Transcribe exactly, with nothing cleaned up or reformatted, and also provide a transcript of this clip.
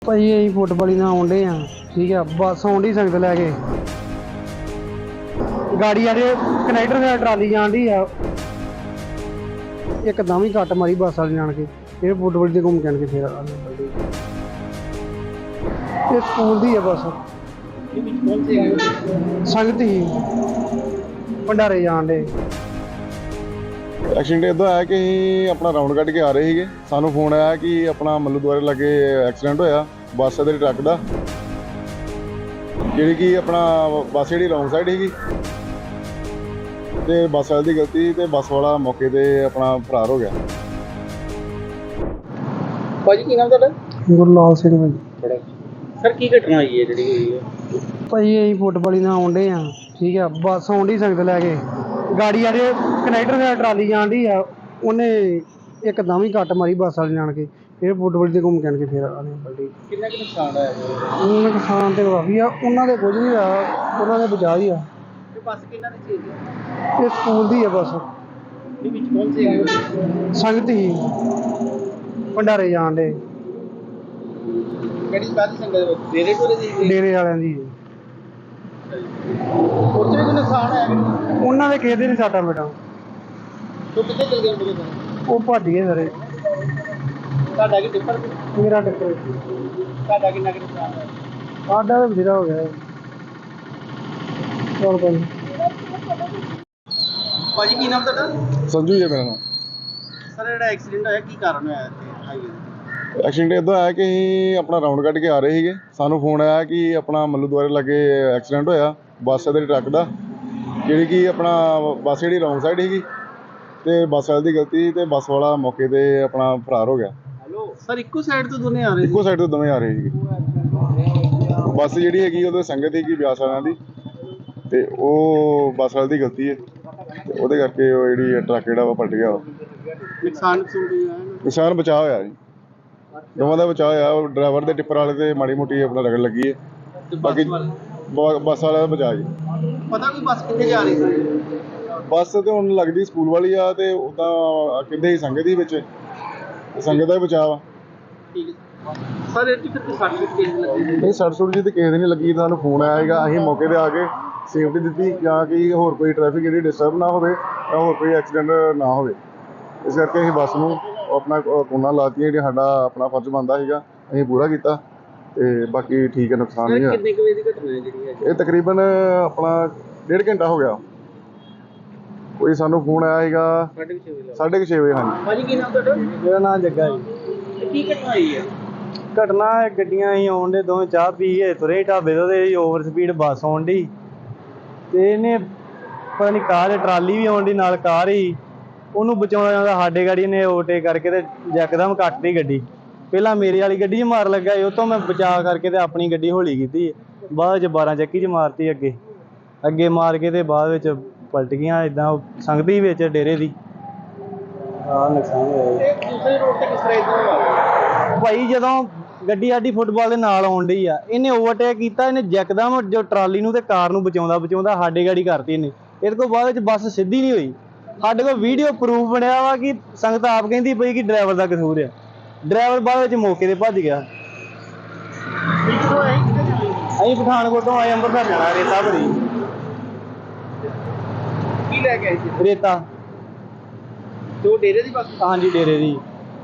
ਭਾਈ ਅਸੀਂ ਫੁੱਟਬਾਲ ਹੀ ਨਾ ਆਉਂਦੇ ਆ। ਠੀਕ ਆ, ਬੱਸ ਆਉਂਦੀ ਸੰਗਤ ਲੈ ਕੇ ਗਾੜੀ ਆ ਜੇ ਕਨੈਕਟਰ ਨਾਲ ਟਰਾਲੀ ਜਾਂਦੀ ਆ, ਇੱਕਦਮ ਹੀ ਕੱਟ ਮਾਰੀ ਬੱਸ ਵਾਲੇ ਜਾਣ ਕੇ। ਇਹ ਫੁੱਟਬਾਲ ਦੇ ਘੁੰਮ ਜਾਣ ਕੇ ਫੇਰ ਆ ਇਹ ਸਕੂਲ ਦੀ ਆ ਬੱਸ। ਸੰਗਤ ਹੀ ਭੰਡਾਰੇ ਜਾਣ ਦੇ। ਐਕਸੀਡੈਂਟ ਇੱਦਾਂ ਆਇਆ ਕਿ ਅਸੀਂ ਆਪਣਾ ਰਾਊਂਡ ਕੱਢ ਕੇ ਆ ਰਹੇ ਸੀਗੇ। ਸਾਨੂੰ ਫੋਨ ਆਇਆ ਕਿ ਆਪਣਾ ਮੱਲੂ ਦੁਆਰੇ ਲਾਗੇ ਐਕਸੀਡੈਂਟ ਹੋਇਆ ਬੱਸ ਦੇ ਟਰੱਕ ਦਾ, ਜਿਹੜੀ ਕਿ ਆਪਣਾ ਬੱਸ ਜਿਹੜੀ ਰੌਂਗ ਸਾਈਡ ਸੀਗੀ ਤੇ ਬੱਸ ਵਾਲੇ ਦੀ ਗਲਤੀ ਤੇ ਬੱਸ ਵਾਲਾ ਮੌਕੇ ਤੇ ਆਪਣਾ ਫਰਾਰ ਹੋ ਗਿਆ। ਭਾਜੀ ਕੀ ਨਾਮ ਤੁਹਾਡਾ? ਗੁਰਲਾਲ ਸਿੰਘ ਭਾਈ। ਬੜਾ ਸਰ ਕੀ ਘਟਨਾ ਹੋਈ ਹੈ ਜਿਹੜੀ ਹੋਈ ਹੈ? ਭਾਈ ਅਸੀਂ ਫੁੱਟਬਾਲ ਹੀ ਨਾ ਆਉਂਦੇ ਆ। ਠੀਕ ਆ, ਬੱਸ ਆਉਂਦੀ ਸੰਗਤ ਲੈ ਕੇ ਗਾੜੀ ਆ ਜੇ ਕਨੈਕਟਰ ਨਾਲ ਟਰਾਲੀ ਜਾਂਦੀ ਆ, ਉਹਨੇ ਇੱਕਦਮ ਹੀ ਕੱਟ ਮਾਰੀ ਬੱਸ ਵਾਲੇ ਜਾਣ ਕੇ। ਫਿਰ ਫੁੱਟਬਾਲ ਦੇ ਘੁੰਮ ਜਾਣ ਕੇ ਫੇਰ ਆਨੇ ਪਲਟੀ। ਕਿੰਨਾ ਕੁ ਨੁਕਸਾਨ ਆਇਆ ਉਹਨਾਂ ਨੁਕਸਾਨ ਤੇ ਕਾਫੀ ਆ, ਉਹਨਾਂ ਦੇ ਕੁਝ ਨਹੀਂ ਆ, ਉਹਨਾਂ ਦੇ ਬਚਾਅ ਹੀ ਆ। ਤੇ ਬੱਸ ਕਿੰਨਾ ਦੀ ਸੀ? ਇਹ ਸਕੂਲ ਦੀ ਆ ਬੱਸ। ਦੇ ਵਿੱਚ ਕੌਣ ਸੀ? ਸੰਗਤ ਹੀ ਭੰਡਾਰੇ ਜਾਣ ਦੇ। ਕਿਹੜੀ ਕਾਹਦੀ ਸੰਗਤ? ਡੇਰੇ ਟੋਰੇ ਦੀ? ਡੇਰੇ ਵਾਲਿਆਂ ਦੀ। ਉੱਥੇ ਵੀ ਕੋਈ ਨੁਕਸਾਨ ਆਇਆ ਕਿ ਉਹਨਾਂ ਦੇ ਕਿਸੇ ਦੇ ਨਹੀਂ ਸਾਟਾ ਬੇਟਾ, ਤੂੰ ਕਿੱਥੇ ਚਲ ਗਿਆ ਬੜੇ ਸਰ? ਉਹ ਭੱਜ ਗਏ ਸਾਰੇ। ਤੁਹਾਡਾ ਕੀ ਟਿੱਪਰ? ਮੇਰਾ ਟੱਕਰ ਤੁਹਾਡਾ ਕਿੰਨਾ ਕੁ ਨੁਕਸਾਨ ਹੋਇਆ? ਸਾਡਾ ਤਾਂ ਬਥੇਰਾ ਹੋ ਗਿਆ। ਚਲ ਭਾਈ। ਭਾਜੀ ਕੀ ਨਾਮ ਤੁਹਾਡਾ? ਸੰਜੂ ਜੀ ਮੇਰਾ ਨਾਮ। ਸਰ ਜਿਹੜਾ ਐਕਸੀਡੈਂਟ ਹੋਇਆ ਕੀ ਕਾਰਨ ਹੋਇਆ ਇੱਥੇ ਹਾਈਵੇ ਤੇ? ਐਕਸੀਡੈਂਟ ਇੱਦਾਂ ਆਇਆ ਕਿ ਅਸੀਂ ਆਪਣਾ ਰਾਊਂਡ ਕੱਢ ਕੇ ਆ ਰਹੇ ਸੀਗੇ। ਸਾਨੂੰ ਫੋਨ ਆਇਆ ਕਿ ਆਪਣਾ ਮੱਲੂ ਦੁਆਰੇ ਲਾਗੇ ਐਕਸੀਡੈਂਟ ਹੋਇਆ ਬੱਸ ਦੇ ਟਰੱਕ ਦਾ, ਜਿਹੜੀ ਕਿ ਆਪਣਾ ਬੱਸ ਜਿਹੜੀ ਰੌਂਗ ਸਾਈਡ ਸੀਗੀ ਤੇ ਬੱਸ ਵਾਲੇ ਦੀ ਗਲਤੀ ਤੇ ਬੱਸ ਵਾਲਾ ਮੌਕੇ ਤੇ ਆਪਣਾ ਫਰਾਰ ਹੋ ਗਿਆ। ਹੈਲੋ ਸਰ, ਇੱਕੋ ਸਾਈਡ ਤੋਂ ਦੋਨੇ ਆ ਰਹੇ ਇੱਕੋ ਸਾਈਡ ਤੋਂ ਦੋਵੇਂ ਆ ਰਹੇ ਸੀਗੇ। ਬੱਸ ਜਿਹੜੀ ਹੈਗੀ ਉਹਦੇ ਸੰਗਤ ਸੀਗੀ ਬਿਆਸ ਵਾਲਿਆਂ ਦੀ, ਤੇ ਉਹ ਬੱਸ ਵਾਲੇ ਦੀ ਗਲਤੀ ਹੈ ਤੇ ਉਹਦੇ ਕਰਕੇ ਉਹ ਜਿਹੜੀ ਟਰੱਕ ਜਿਹੜਾ ਵਾ ਪਲਟ ਗਿਆ। ਨੁਕਸਾਨ ਨੁਕਸਾਨ ਕੋਈ ਆਇਆ? ਨੁਕਸਾਨ ਬਚਾਅ ਹੋਇਆ ਜੀ, ਦੋਵਾਂ ਦਾ ਬਚਾਅ ਹੋਇਆ। ਉਹ ਡਰਾਈਵਰ ਤੇ ਟਿੱਪਰ ਵਾਲੇ ਤੇ ਮਾੜੀ ਮੋਟੀ ਆਪਣਾ ਰਗੜ ਲੱਗੀ ਹੈ, ਤੇ ਬਾਕੀ ਬੱਸ ਵਾਲੇ ਬ- ਬੱਸ ਵਾਲਿਆਂ ਦਾ ਬਚਾਅ ਜੀ। ਪਤਾ ਕੋਈ ਬੱਸ ਕਿੱਥੇ ਜਾ ਰਹੀ ਸੀ? ਬੱਸ ਤੇ ਹੁਣ ਲੱਗਦੀ ਸਕੂਲ ਵਾਲੀ ਆ, ਤੇ ਉੱਦਾਂ ਕਹਿੰਦੇ ਸੀ ਸੰਗਤ ਹੀ ਵਿੱਚ, ਤੇ ਸੰਗਤ ਦਾ ਹੀ ਬਚਾਅ ਵਾ। ਠੀਕ ਹੈ ਸਰ, ਇਹ ਚ ਫਿਰ ਸਾਡੇ ਕੇਸ ਲੱਗੇ? ਨਹੀਂ ਸੱਟ ਸੁੱਟ ਜੀ ਤੇ ਕਿਸੇ ਦੀ ਨਹੀਂ ਲੱਗੀ। ਤੁਹਾਨੂੰ ਫੋਨ ਆਇਆ ਸੀਗਾ, ਅਸੀਂ ਮੌਕੇ ਤੇ ਆ ਕੇ ਸੇਫਟੀ ਦਿੱਤੀ ਜਾਂ ਕਿ ਹੋਰ ਕੋਈ ਟ੍ਰੈਫਿਕ ਜਿਹੜੀ ਡਿਸਟਰਬ ਨਾ ਹੋਵੇ ਜਾਂ ਹੋਰ ਕੋਈ ਐਕਸੀਡੈਂਟ ਨਾ ਹੋਵੇ। ਇਸ ਕਰਕੇ ਅਸੀਂ ਬੱਸ ਨੂੰ ਆਪਣਾ ਕੋਨਾ ਲਾਤੀਆਂ, ਜਿਹੜੀ ਸਾਡਾ ਆਪਣਾ ਫਰਜ਼ ਬਣਦਾ ਸੀਗਾ ਅਸੀਂ ਪੂਰਾ ਕੀਤਾ, ਤੇ ਬਾਕੀ ਠੀਕ ਹੈ, ਨੁਕਸਾਨ ਨਹੀਂ ਹੋਇਆ। ਕਿੰਨੇ ਕੁ ਵਜੇ ਦੀ ਘਟਨਾ ਹੈ ਜਿਹੜੀ ਹੈ? ਇਹ ਤਕਰੀਬਨ ਆਪਣਾ ਡੇਢ ਘੰਟਾ ਹੋ ਗਿਆ। ਕੋਈ ਸਾਨੂੰ ਫੋਨ ਆਇਆ ਸੀਗਾ ਸਾਢੇ ਛੇ ਵਜੇ? ਸਾਢੇ ਕੁ ਛੇ ਵਜੇ। ਹਾਂਜੀ ਭਾਜੀ ਕੀ ਨਾਮ ਤੁਹਾਡਾ? ਮੇਰਾ ਨਾਮ ਜੱਗਾ ਜੀ। ਤੇ ਕੀ ਘਟਨਾ ਹੋਈ ਹੈ? ਘਟਨਾ ਗੱਡੀਆਂ ਅਸੀਂ ਆਉਣ ਦੇ ਦੋਵੇਂ ਚਾਹ ਪੀ ਕੇ ਤੁਰੇ ਢਾਬੇ ਤੋਂ, ਤੇ ਓਵਰ ਸਪੀਡ ਬੱਸ ਆਉਣ ਡਈ, ਤੇ ਇਹਨੇ ਪਤਾ ਨਹੀਂ ਕਾਰ ਟਰਾਲੀ ਵੀ ਆਉਣ ਦੀ ਨਾਲ ਕਾਰ ਹੀ, ਉਹਨੂੰ ਬਚਾਉਣਾ ਚਾਹੁੰਦਾ ਸਾਡੇ ਗਾੜੀ ਨੇ ਓਵਰਟੇਕ ਕਰਕੇ ਤੇ ਯਕਦਮ ਕੱਟਤੀ ਗੱਡੀ। ਪਹਿਲਾਂ ਮੇਰੇ ਵਾਲੀ ਗੱਡੀ 'ਚ ਮਾਰ ਲੱਗਾ, ਉਹ ਤੋਂ ਮੈਂ ਬਚਾਅ ਕਰਕੇ ਤੇ ਆਪਣੀ ਗੱਡੀ ਹੌਲੀ ਕੀਤੀ, ਬਾਅਦ 'ਚ ਬਾਰਾਂ ਚੱਕੀ 'ਚ ਮਾਰਤੀ ਅੱਗੇ ਅੱਗੇ ਮਾਰ ਕੇ, ਤੇ ਬਾਅਦ ਵਿੱਚ ਪਲਟ ਗਈਆਂ ਇੱਦਾਂ ਸੰਗਤੀ ਵਿੱਚ ਡੇਰੇ ਦੀ। ਆਹ ਨੁਕਸਾਨ ਹੋਇਆ ਤੇ ਦੂਸਰੇ ਰੋਡ ਤੇ ਕਿਸ ਤਰ੍ਹਾਂ ਇੱਧਰ ਹੋਇਆ ਭਾਈ। ਜਦੋਂ ਗੱਡੀ ਸਾਡੀ ਫੁੱਟਬਾਲ ਦੇ ਨਾਲ ਆਉਣ ਡਈ ਆ, ਇਹਨੇ ਓਵਰਟੇਕ ਕੀਤਾ, ਇਹਨੇ ਯਕਦਮ ਜੋ ਟਰਾਲੀ ਨੂੰ ਤੇ ਕਾਰ ਨੂੰ ਬਚਾਉਂਦਾ ਬਚਾਉਂਦਾ ਸਾਡੇ ਗਾੜੀ ਕਰਤੀ ਇਹਨੇ। ਇਹਦੇ ਕੋਲ ਬਾਅਦ ਵਿੱਚ ਬੱਸ ਸਿੱਧੀ ਨਹੀਂ ਹੋਈ। ਸਾਡੇ ਕੋਲ ਵੀਡੀਓ ਪ੍ਰੂਫ ਬਣਿਆ ਵਾ ਕਿ ਸੰਗਤ ਆਪ ਕਹਿੰਦੀ ਪਈ ਕਿ ਡਰਾਈਵਰ ਦਾ ਕਸੂਰ ਆ। ਡਰਾਈਵਰ ਬਾਅਦ ਵਿੱਚ ਮੌਕੇ ਤੇ ਭੱਜ ਗਿਆ। ਅਸੀਂ ਪਠਾਨਕੋਟ ਤੋਂ ਆਏ, ਅੰਮ੍ਰਿਤਸਰ ਜਾਣਾ, ਰੇਤਾ ਭਰੀ। ਕੀ ਲੈ ਕੇ ਆਏ ਸੀ? ਰੇਤਾ। ਤੇ ਉਹ ਡੇਰੇ ਦੀ ਬੱਸ? ਹਾਂਜੀ, ਡੇਰੇ ਦੀ।